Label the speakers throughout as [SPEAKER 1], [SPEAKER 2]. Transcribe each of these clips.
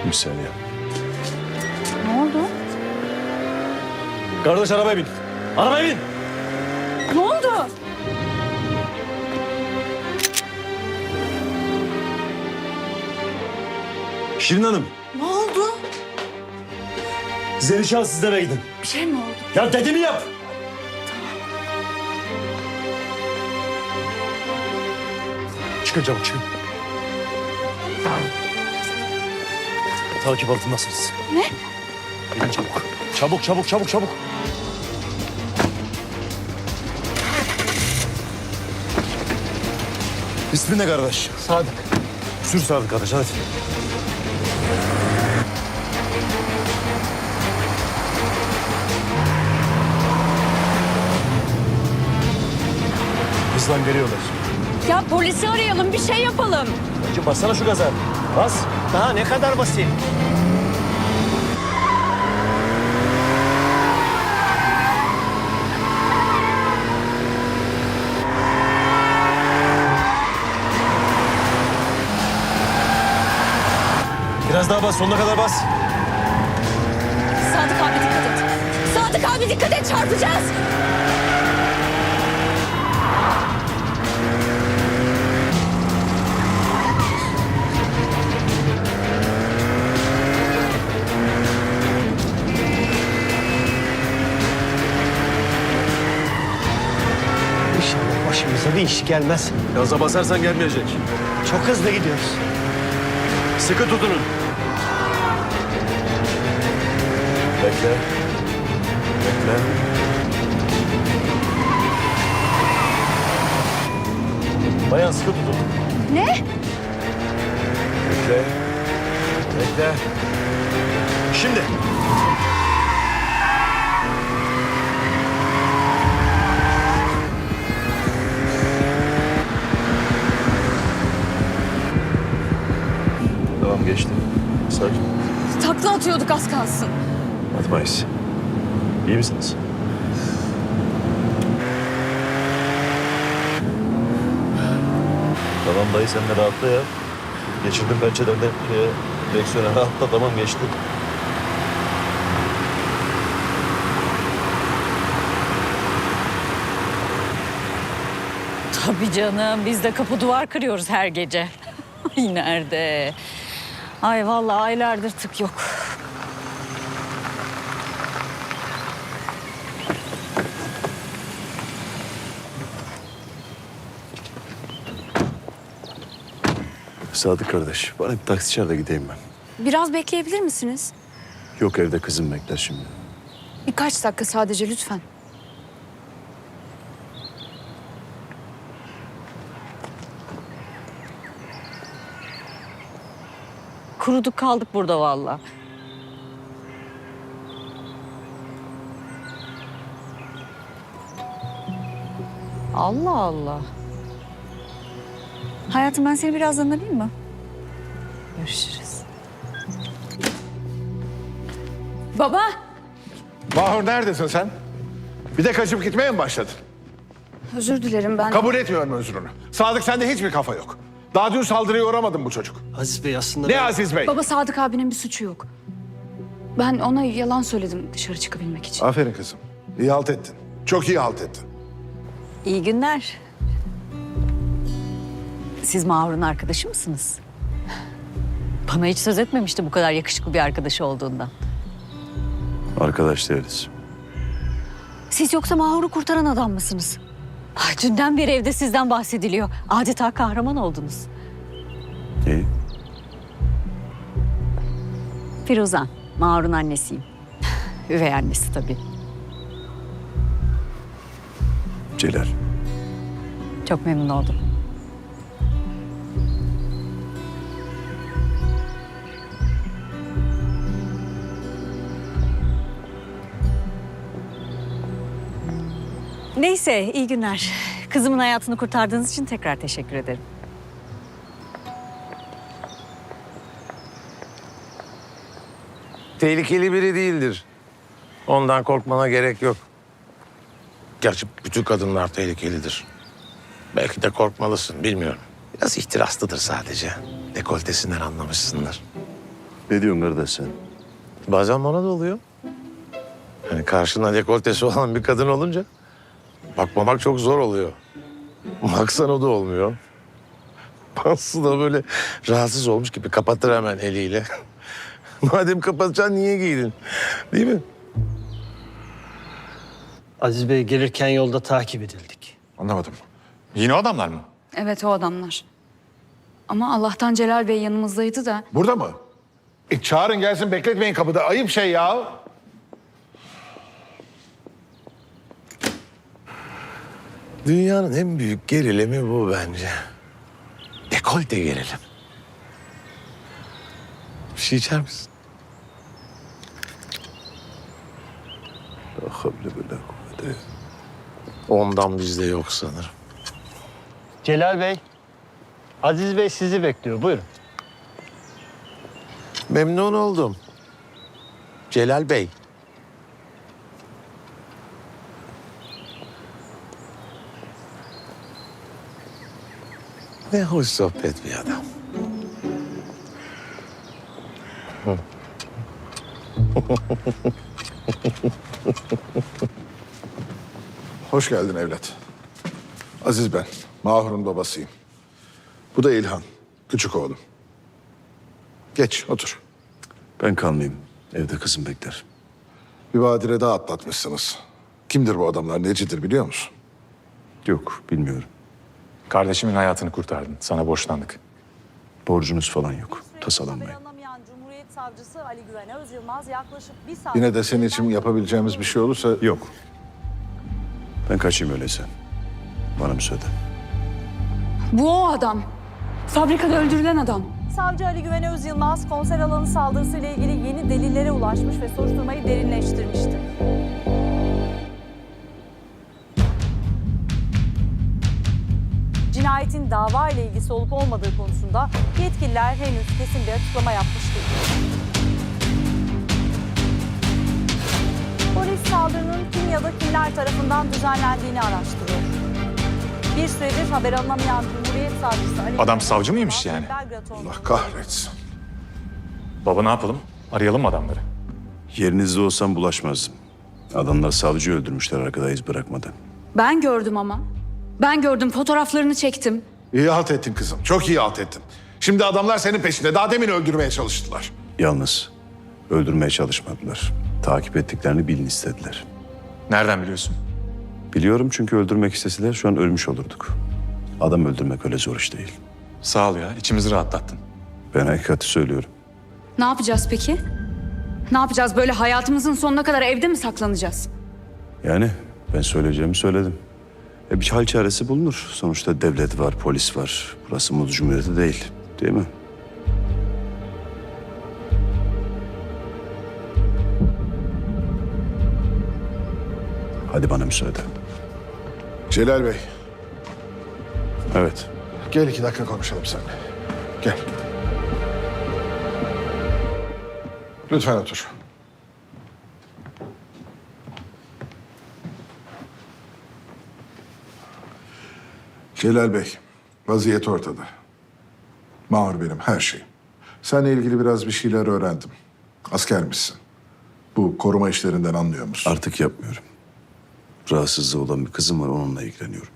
[SPEAKER 1] Bir saniye.
[SPEAKER 2] Ne oldu?
[SPEAKER 1] Kardeş arabaya bin. Arabaya bin.
[SPEAKER 2] Ne oldu?
[SPEAKER 1] Şirin Hanım.
[SPEAKER 2] Ne oldu?
[SPEAKER 1] Zelişan sizlere gidin.
[SPEAKER 2] Bir şey mi oldu?
[SPEAKER 1] Ya dediğimi yap. Çıkın çabuk çıkın. Takip altındasınız.
[SPEAKER 2] Ne?
[SPEAKER 1] Gidin çabuk. Çabuk çabuk çabuk çabuk. İsmin ne kardeş?
[SPEAKER 3] Sadık.
[SPEAKER 1] Sür Sadık kardeş hadi. Hızlan geliyorlar.
[SPEAKER 2] Ya polisi arayalım, bir şey yapalım.
[SPEAKER 1] Önce bassana şu gaza. Bas.
[SPEAKER 3] Daha ne kadar basayım?
[SPEAKER 1] Biraz daha bas, sonuna kadar bas.
[SPEAKER 2] Sadık abi dikkat et. Sadık abi dikkat et, çarpacağız.
[SPEAKER 3] İnşallah başımıza bir iş gelmez.
[SPEAKER 1] Gaza basarsan gelmeyecek.
[SPEAKER 3] Çok hızlı gidiyoruz.
[SPEAKER 1] Sıkı tutunun. Bekle. Bekle. Bayan sıkı tutun.
[SPEAKER 2] Ne?
[SPEAKER 1] Bekle. Bekle. Şimdi. Tamam geçti. Sakin.
[SPEAKER 2] Takla atıyorduk az kalsın.
[SPEAKER 1] Atmayız. İyi misiniz? Tamam dayı sen de rahatla ya. Geçirdim pençelerden direksiyona rahatla tamam geçti.
[SPEAKER 2] Tabii canım, biz de kapı duvar kırıyoruz her gece. Ay nerede? Ay vallahi aylardır tık yok.
[SPEAKER 1] Sadık kardeş bana bir taksi çağır da gideyim ben.
[SPEAKER 4] Biraz bekleyebilir misiniz?
[SPEAKER 1] Yok evde kızım bekler şimdi.
[SPEAKER 4] Birkaç dakika sadece lütfen.
[SPEAKER 2] Kuruduk kaldık burada vallahi. Allah Allah.
[SPEAKER 4] Hayatım ben seni birazdan arayayım mı?
[SPEAKER 2] Görüşürüz.
[SPEAKER 4] Baba!
[SPEAKER 5] Mahur neredesin sen? Bir de kaçıp gitmeye mi başladın?
[SPEAKER 4] Özür dilerim ben.
[SPEAKER 5] Kabul etmiyorum özrünü. Sadık sende hiçbir kafa yok. Daha dün saldırıya uğramadın bu çocuk.
[SPEAKER 3] Aziz Bey aslında...
[SPEAKER 5] Ne Aziz Bey?
[SPEAKER 4] Baba Sadık abinin bir suçu yok. Ben ona yalan söyledim dışarı çıkabilmek için.
[SPEAKER 5] Aferin kızım. İyi halt ettin. Çok iyi halt ettin.
[SPEAKER 2] İyi günler. Siz Mahur'un arkadaşı mısınız? Bana hiç söz etmemişti bu kadar yakışıklı bir arkadaşı olduğundan.
[SPEAKER 1] Arkadaş değiliz.
[SPEAKER 2] Siz yoksa Mahur'u kurtaran adam mısınız? Dünden beri evde sizden bahsediliyor. Adeta kahraman oldunuz.
[SPEAKER 1] İyi.
[SPEAKER 2] Firuzan, Mahur'un annesiyim. Üvey annesi tabii.
[SPEAKER 1] Celal.
[SPEAKER 2] Çok memnun oldum. Neyse, iyi günler. Kızımın hayatını kurtardığınız için tekrar teşekkür ederim.
[SPEAKER 6] Tehlikeli biri değildir. Ondan korkmana gerek yok. Gerçi bütün kadınlar tehlikelidir. Belki de korkmalısın, bilmiyorum. Biraz ihtiraslıdır sadece. Dekoltesinden anlamışsındır.
[SPEAKER 1] Ne diyorsun kardeş sen?
[SPEAKER 6] Bazen bana da oluyor. Yani karşında dekoltesi olan bir kadın olunca bakmamak çok zor oluyor. Baksan o da olmuyor. Aslı da böyle rahatsız olmuş gibi kapatır hemen eliyle. Madem kapatacaksın niye giydin? Değil mi?
[SPEAKER 3] Aziz Bey gelirken yolda takip edildik.
[SPEAKER 5] Anlamadım.
[SPEAKER 7] Yine o adamlar mı?
[SPEAKER 4] Evet o adamlar. Ama Allah'tan Celal Bey yanımızdaydı da.
[SPEAKER 5] Burada mı? Çağırın gelsin, bekletmeyin kapıda. Ayıp şey ya.
[SPEAKER 6] Dünyanın en büyük gerilimi bu bence. Dekolte gerilim. Bir şey içer misin? Ondan bizde yok sanırım.
[SPEAKER 3] Celal Bey, Aziz Bey sizi bekliyor. Buyurun.
[SPEAKER 6] Memnun oldum. Celal Bey. Ne hoş sohbet bir adam.
[SPEAKER 5] Hoş geldin evlat. Aziz ben. Mahur'un babasıyım. Bu da İlhan. Küçük oğlum. Geç otur.
[SPEAKER 1] Ben kalmayayım. Evde kızım bekler.
[SPEAKER 5] Bir badire daha atlatmışsınız. Kimdir bu adamlar? Necidir biliyor musun?
[SPEAKER 1] Yok, bilmiyorum.
[SPEAKER 7] Kardeşimin hayatını kurtardın. Sana borçlandık.
[SPEAKER 1] Borcunuz falan yok. Tasalanmayın.
[SPEAKER 8] Anlamayan Cumhuriyet Savcısı Ali Güven Özyılmaz yaklaşık bir saat...
[SPEAKER 5] Yine de senin için yapabileceğimiz bir şey olursa...
[SPEAKER 1] Yok. Ben kaçayım öyleyse. Bana müsaade.
[SPEAKER 4] Bu o adam. Fabrikada öldürülen adam.
[SPEAKER 8] Savcı Ali Güven Özyılmaz konser alanı saldırısıyla ilgili yeni delillere ulaşmış ve soruşturmayı derinleştirmişti. Cinayetin dava ile ilgisi olup olmadığı konusunda yetkililer henüz kesin bir açıklama yapmış değil. Polis saldırının kim ya da kimler tarafından düzenlendiğini araştırıyor. Bir süredir haber alınamayan Cumhuriyet Savcısı Ali
[SPEAKER 7] Adam
[SPEAKER 8] Güven
[SPEAKER 7] savcı mıymış
[SPEAKER 8] Özyılmaz,
[SPEAKER 7] yani?
[SPEAKER 8] Belgrad
[SPEAKER 5] Allah kahretsin.
[SPEAKER 7] Baba ne yapalım? Arayalım mı adamları?
[SPEAKER 1] Yerinizde olsam bulaşmazdım. Adamlar savcıyı öldürmüşler arkada iz bırakmadan.
[SPEAKER 4] Ben gördüm ama. Ben gördüm, fotoğraflarını çektim.
[SPEAKER 5] İyi halt ettin kızım. Çok iyi halt ettin. Şimdi adamlar senin peşinde. Daha demin öldürmeye çalıştılar.
[SPEAKER 1] Yalnız öldürmeye çalışmadılar. Takip ettiklerini bilin istediler.
[SPEAKER 7] Nereden biliyorsun?
[SPEAKER 1] Biliyorum çünkü öldürmek isteseler şu an ölmüş olurduk. Adam öldürmek öyle zor iş değil.
[SPEAKER 7] Sağ ol ya. İçimizi rahatlattın.
[SPEAKER 1] Ben hakikati söylüyorum.
[SPEAKER 4] Ne yapacağız peki? Ne yapacağız? Böyle hayatımızın sonuna kadar evde mi saklanacağız?
[SPEAKER 1] Yani ben söyleyeceğimi söyledim. Bir hal çaresi bulunur. Sonuçta devlet var, polis var. Burası Muz Cumhuriyeti değil. Değil mi? Hadi bana müsaade.
[SPEAKER 5] Celal Bey,
[SPEAKER 1] Evet.
[SPEAKER 5] gel 2 dakika konuşalım seninle. Gel. Lütfen otur. Celal Bey, vaziyet ortada. Mahur benim her şeyim. Seninle ilgili biraz bir şeyler öğrendim. Askermişsin. Bu koruma işlerinden anlıyor musun?
[SPEAKER 1] Artık yapmıyorum. Rahatsızlığı olan bir kızım var, onunla ilgileniyorum.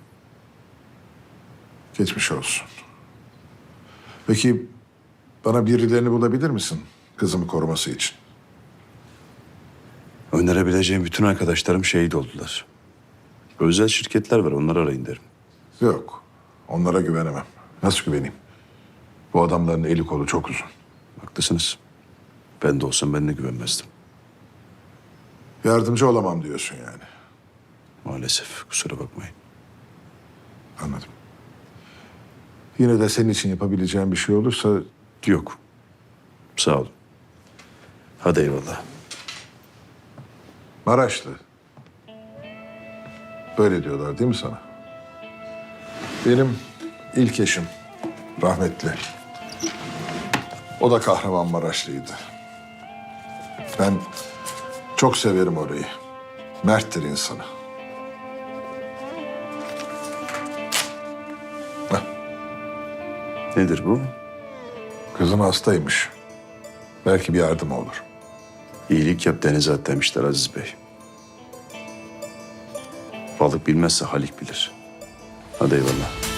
[SPEAKER 5] Geçmiş olsun. Peki bana birilerini bulabilir misin kızımı koruması için?
[SPEAKER 1] Önerebileceğim bütün arkadaşlarım şehit oldular. Özel şirketler var, onları arayın derim.
[SPEAKER 5] Yok, onlara güvenemem. Nasıl güveneyim? Bu adamların eli kolu çok uzun.
[SPEAKER 1] Haklısınız. Ben de olsam ben de güvenmezdim.
[SPEAKER 5] Yardımcı olamam diyorsun yani.
[SPEAKER 1] Maalesef, kusura bakmayın.
[SPEAKER 5] Anladım. Yine de senin için yapabileceğim bir şey olursa...
[SPEAKER 1] Yok. Sağ olun. Hadi eyvallah.
[SPEAKER 5] Maraşlı. Böyle diyorlar değil mi sana? Benim ilk eşim rahmetli. O da Kahramanmaraşlıydı. Ben çok severim orayı. Merttir insanı.
[SPEAKER 1] Nedir bu?
[SPEAKER 5] Kızım hastaymış. Belki bir yardım olur.
[SPEAKER 1] İyilik yap denize at demişler Aziz Bey. Balık bilmezse Halik bilir. Hadi eyvallah.